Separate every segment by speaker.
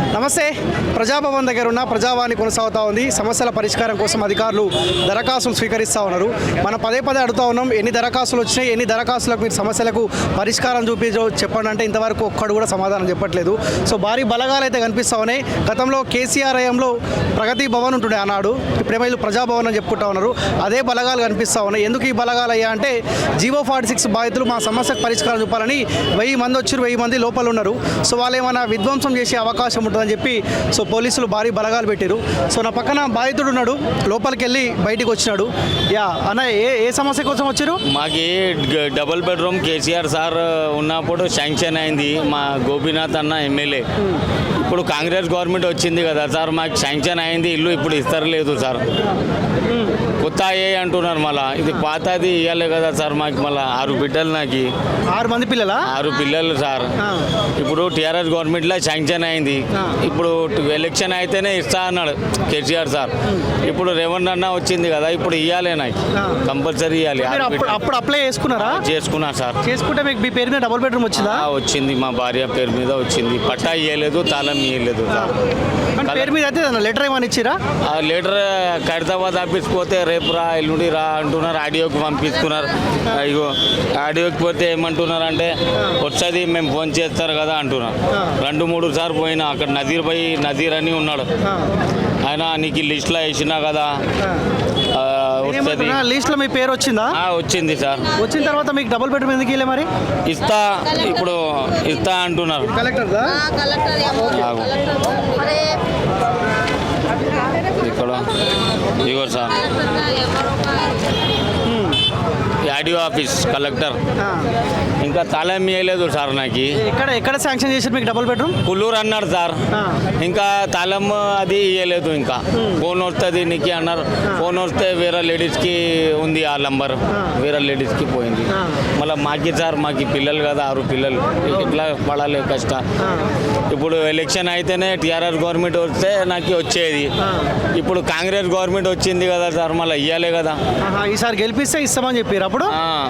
Speaker 1: నమస్తే. ప్రజాభవన్ దగ్గర ఉన్న ప్రజావాణి కొనసాగుతూ ఉంది. సమస్యల పరిష్కారం కోసం అధికారులు దరఖాస్తులు స్వీకరిస్తూ ఉన్నారు. మనం పదే అడుగుతూ ఉన్నాం, ఎన్ని దరఖాస్తులు వచ్చినాయి, ఎన్ని దరఖాస్తులకు మీరు సమస్యలకు పరిష్కారం చెప్పండి అంటే ఇంతవరకు ఒక్కడు కూడా సమాధానం చెప్పట్లేదు. సో భారీ బలగాలు అయితే కనిపిస్తూ ఉన్నాయి. గతంలో కేసీఆర్ హయాంలో ప్రగతి భవన్ ఉంటుండే ఆనాడు, ఇప్పుడేమో వీళ్ళు ప్రజాభవన్ అని చెప్పుకుంటా ఉన్నారు. అదే బలగాలు కనిపిస్తూ ఉన్నాయి. ఎందుకు ఈ బలగాలు అయ్యా అంటే జీవో 46 బాధితులు మా సమస్యకు పరిష్కారం చూపాలని 1000 మంది వచ్చారు, 1000 మంది లోపల ఉన్నారు. సో వాళ్ళు ఏమైనా విధ్వంసం చేసే అవకాశం ఉంటుందని చెప్పి సో పోలీసులు భారీ బలగాలు పెట్టారు. సో నా పక్కన బాధితుడు ఉన్నాడు, లోపలికి వెళ్ళి బయటికి వచ్చినాడు. యా అన్న, ఏ సమస్య కోసం వచ్చారు?
Speaker 2: మాకు డబుల్ బెడ్రూమ్ కేసీఆర్ సార్ ఉన్నప్పుడు శాంక్షన్ అయింది, మా గోపీనాథ్ అన్న ఎమ్మెల్యే. ఇప్పుడు కాంగ్రెస్ గవర్నమెంట్ వచ్చింది కదా సార్, మాకు శాంక్షన్ అయింది ఇల్లు, ఇప్పుడు ఇస్తలేదు సార్. కొత్త అయ్యాయి అంటున్నారు, మళ్ళీ ఇది పాతది ఇవ్వాలి కదా సార్. మాకు మళ్ళీ 6 బిడ్డలు, నాకు
Speaker 1: 6 మంది పిల్లలా?
Speaker 2: 6 పిల్లలు సార్. ఇప్పుడు టీఆర్ఎస్ గవర్నమెంట్లో శాంక్షన్ అయింది, ఇప్పుడు ఎలక్షన్ అయితేనే ఇస్తా అన్నాడు కేసీఆర్ సార్. ఇప్పుడు రేవంత్ అన్న వచ్చింది కదా, ఇప్పుడు ఇవ్వాలి, నాకు కంపల్సరీ ఇవ్వాలి.
Speaker 1: అప్పుడు అప్లై చేసుకున్నారా?
Speaker 2: చేసుకున్నా సార్.
Speaker 1: చేసుకుంటే మీకు మీ పేరు మీద డబుల్ బెడ్రూమ్ వచ్చిందా?
Speaker 2: వచ్చింది, మా భార్య పేరు మీద వచ్చింది. పట్టా ఇవ్వలేదు, తాళం ఇవ్వలేదు సార్.
Speaker 1: పేరు మీద అయితే లెటర్ ఏమని ఇచ్చిరా?
Speaker 2: ఆ లెటర్ ఖైరతాబాద్ ఆఫీస్ పోతే రేపు రా, ఎల్లుండి రా అంటున్నారు. ఆడియోకి పంపిస్తున్నారు. ఇగో ఆడియోకి పోతే ఏమంటున్నారు అంటే వస్తుంది, మేము ఫోన్ చేస్తారు కదా అంటున్నారు. 2-3 సార్లు పోయినా, అక్కడ నజీర్ అని ఉన్నాడు ఆయన, నీకు లిస్ట్లో వేసినా కదా వస్తుంది.
Speaker 1: లిస్ట్లో మీ పేరు వచ్చిందా?
Speaker 2: వచ్చింది సార్.
Speaker 1: వచ్చిన తర్వాత మీకు డబుల్ బెడ్రూమ్ ఎందుకు ఇవ్వలే మరి?
Speaker 2: ఇస్తా, ఇప్పుడు ఇస్తా అంటున్నారు.
Speaker 1: కలెక్టర్
Speaker 2: ఇక్కడ ఇగో సార్, ఆడియో ఆఫీస్ కలెక్టర్ ఇంకా తాళం ఇవ్వలేదు సార్. నాకు
Speaker 1: ఎక్కడ శాంక్షన్ చేశారు మీకు డబుల్ బెడ్రూమ్?
Speaker 2: కుల్లూరు అన్నారు సార్, ఇంకా తాళం అది ఇవ్వలేదు. ఇంకా ఫోన్ వస్తుంది నీకు అన్నారు. ఫోన్ వస్తే వేరే లేడీస్కి ఉంది ఆ నంబర్, వేరే లేడీస్కి పోయింది. మళ్ళీ మాకి సార్, మాకు పిల్లలు కదా, 6 పిల్లలు, ఇట్లా పడాలి కష్టం. ఇప్పుడు ఎలక్షన్ అయితేనే టీఆర్ఎస్ గవర్నమెంట్ వస్తే నాకు వచ్చేది. ఇప్పుడు కాంగ్రెస్ గవర్నమెంట్ వచ్చింది కదా సార్, మళ్ళీ ఇవ్వాలి కదా.
Speaker 1: ఈసారి గెలిపిస్తే ఇస్తామని చెప్పారు. అప్పుడు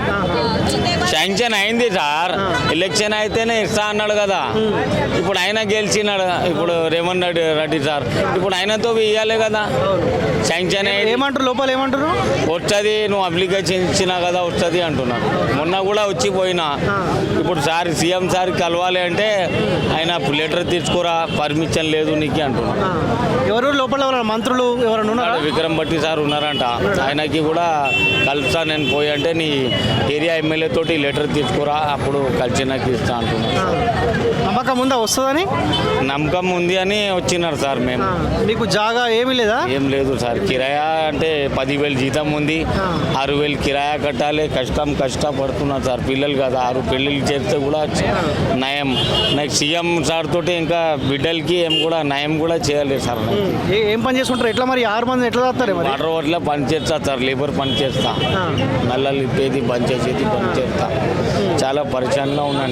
Speaker 2: శాంక్షన్ అయింది సార్, ఎలక్షన్ అయితేనే ఇస్తా అన్నాడు కదా. ఇప్పుడు ఆయన గెలిచినాడు, ఇప్పుడు రేవంత్ రెడ్డి సార్. ఇప్పుడు ఆయనతో ఇవ్వాలి కదా శాంక్షన్.
Speaker 1: ఏమంటారు లోపల, ఏమంటారు?
Speaker 2: వస్తుంది, నువ్వు అప్లికేషన్ ఇచ్చినా కదా వస్తుంది అంటున్నారు. మొన్న కూడా వచ్చిపోయినా. ఇప్పుడు సార్ సీఎం సార్ కలవాలి అంటే ఆయన లెటర్ తీసుకురా, పర్మిషన్ లేదు నీకు అంటున్నారు.
Speaker 1: ఎవరు లోపల మంత్రులు ఎవరైనా ఉన్నారా?
Speaker 2: విక్రమ్ భట్టి సార్ ఉన్నారంట, ఆయనకి కూడా కలుస్తా నేను పోయి అంటే నీ ఏరియా ఎమ్మెల్యే తోటి లెటర్ తీసుకురా, అప్పుడు కలిసి నాకు ఇస్తా అంటున్నారు.
Speaker 1: నమ్మకం ఉందా వస్తుందని?
Speaker 2: నమ్మకం ఉంది అని వచ్చినారు సార్. మేము
Speaker 1: మీకు జాగా ఏమీ లేదా?
Speaker 2: ఏం లేదు సార్. కిరాయా అంటే 10,000 జీతం ఉంది, 6,000 కిరాయా కట్టాలి. కష్టపడుతున్నారు సార్. పిల్లలు కదా, 6 పెళ్ళిళ్ళు చేస్తే కూడా నయం. నాకు సీఎం సార్ తోటి ఇంకా బిడ్డలకి ఏం కూడా నయం కూడా చేయాలి సార్.
Speaker 1: ఏం పని చేసుకుంటారు? ఎట్లా మరి 6 మంది ఎట్లా చేస్తారు?
Speaker 2: వాటర్ వాటిలో పని చేస్తా సార్, లేబర్ పని చేస్తా, నల్లలు ఇప్పేది పని చేసేది పని చేస్తా. చాలా పరిచయంలో ఉన్నాను.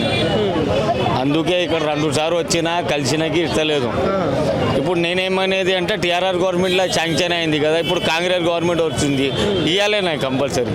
Speaker 2: అందుకే ఇక్కడ 2 సార్లు వచ్చినా కలిసినాకి ఇస్తలేదు. ఇప్పుడు నేనేమనేది అంటే టీఆర్ఆర్ గవర్నమెంట్లో శాంక్షన్ అయింది కదా, ఇప్పుడు కాంగ్రెస్ గవర్నమెంట్ వచ్చింది, ఇవ్వాలి నాకు కంపల్సరీ.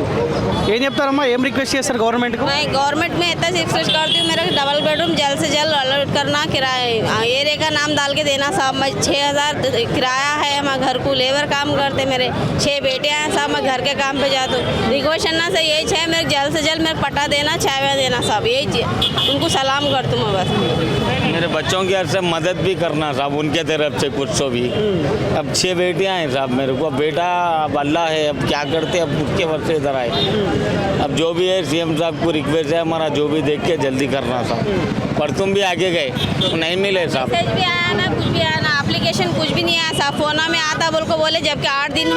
Speaker 1: ఏం చెప్తారమ్మా, ఏం రిక్వెస్ట్ చేస్తారు గవర్నమెంట్?
Speaker 3: गवर्नमेंट में इतना रिक्वेस्ट करती हूँ, मेरा डबल बेडरूम जल्द से जल्द अलॉट करना, किराया एरिया का नाम डाल के देना साहब. मैं 6,000 किराया है, मैं घर को लेबर काम करते, मेरे 6 बेटे हैं साहब, मैं घर के काम पे जाता हूँ. रिक्वेस्ट करना से यही है, मेरे जल्द से जल्द मेरे पटा देना, चाय देना साहब, यही उनको सलाम करती हूँ मैं बस.
Speaker 2: मेरे बच्चों की से मदद भी करना साहब, उनके तरफ से कुछ तो भी. अब 6 बेटियाँ हैं साहब, मेरे को बेटा अब अल्लाह है, अब क्या करते, अब उसके वक्त से इधर आए. अब जो भी है सीएम साहब को रिक्वेस्ट है हमारा, जो भी देख के जल्दी करना साहब. पर तुम भी आगे गए तो नहीं मिले साहब.
Speaker 3: मैसेज भी आया ना, कुछ भी आया ना, एप्लीकेशन कुछ भी नहीं आया साहब. फोन में आता बोल को बोले, जबकि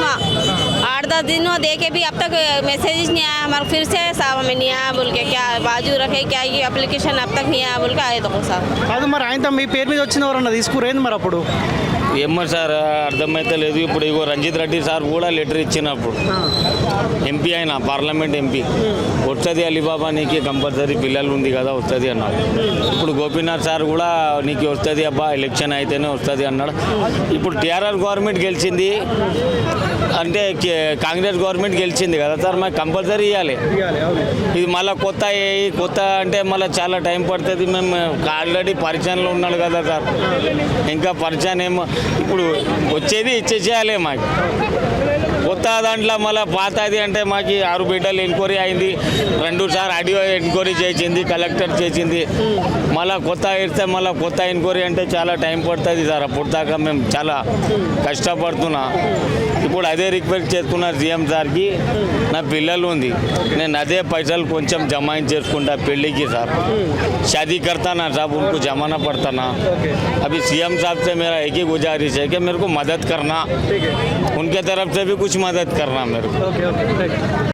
Speaker 3: 8-10 दिन हुआ देखे भी अब तक मैसेज नहीं आया हमारा. फिर से साहब हमें नहीं आया बोल के, क्या बाजू रखे क्या, ये एप्लीकेशन अब तक नहीं आया बोल के आए तो साहब.
Speaker 1: కాదు మరి ఆయన మీ పేరు మీద వచ్చిన ఎవరన్నా తీసుకురేంది మరి అప్పుడు?
Speaker 2: ఏమో సార్ అర్థమైతే లేదు. ఇప్పుడు ఇగో రంజిత్ రెడ్డి సార్ కూడా లెటర్ ఇచ్చినప్పుడు ఎంపీ అయినా పార్లమెంట్ ఎంపీ వస్తుంది అలీబాబా నీకు కంపల్సరీ పిల్లలు ఉంది కదా వస్తుంది అన్నాడు. ఇప్పుడు గోపీనాథ్ సార్ కూడా నీకు వస్తుంది అబ్బా ఎలక్షన్ అయితేనే వస్తుంది అన్నాడు. ఇప్పుడు టీఆర్ఆర్ గవర్నమెంట్ గెలిచింది అంటే కాంగ్రెస్ గవర్నమెంట్ గెలిచింది కదా సార్, మాకు కంపల్సరీ ఇవ్వాలి. ఇది మళ్ళీ కొత్త అంటే మళ్ళీ చాలా టైం పడుతుంది. మేము ఆల్రెడీ పరిచయంలో ఉన్నాడు కదా సార్, ఇంకా పరిచయం ఏమో ఇప్పుడు వచ్చేది ఇచ్చేసేయాలి మాకు. కొత్త దాంట్లో మళ్ళీ పాతది అంటే మాకు 6 బిడ్డలు ఎంక్వైరీ అయింది, 2 సార్లు ఆడియో ఎంక్వైరీ చేసింది, కలెక్టర్ చేసింది. మళ్ళీ కొత్త ఇస్తే మళ్ళీ కొత్త ఎంక్వైరీ అంటే చాలా టైం పడుతుంది సార్. అప్పుడు దాకా మేము చాలా కష్టపడుతున్నా. ఇప్పుడు అదే రిక్వెస్ట్ చేస్తున్నా సీఎం సార్కి, నా పిల్లలు ఉంది, నేను అదే పైసలు కొంచెం జమాయిన్ చేసుకుంటా పెళ్ళికి సార్. शादी करता ना साहब, उनको जमाना पड़ता ना. अभी सीएम साहब से मेरा एक ही गुजारिश है कि मेरे को मदद करना, उनके तरफ से भी कुछ मदद करना मेरे को.